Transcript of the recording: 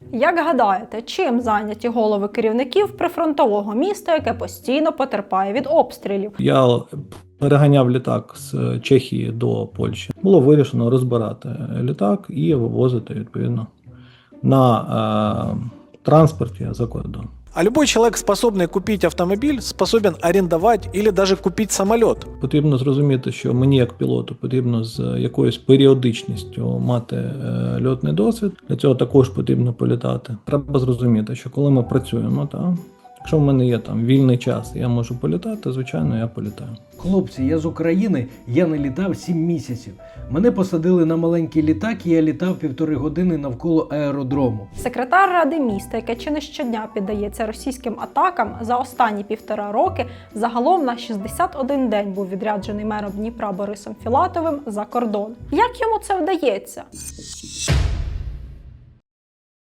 Як гадаєте, чим зайняті голови керівників прифронтового міста, яке постійно потерпає від обстрілів? Я переганяв літак з Чехії до Польщі. Було вирішено розбирати літак і вивозити, відповідно, на транспорті за кордон. А любой человек, способный купить автомобиль, способен арендовать или даже купить самолет. Потрібно зрозуміти, що мені як пілоту потрібно з якоюсь періодичністю мати льотний досвід. Для цього також потрібно політати. Треба зрозуміти, що коли ми працюємо, якщо в мене є там вільний час, я можу політати, звичайно, я політаю. Хлопці, я з України, я не літав 7 місяців. Мене посадили на маленький літак, і я літав 1,5 години навколо аеродрому. Секретар Ради міста, яке чи не щодня піддається російським атакам, за останні 1,5 роки загалом на 61 день був відряджений мером Дніпра Борисом Філатовим за кордон. Як йому це вдається?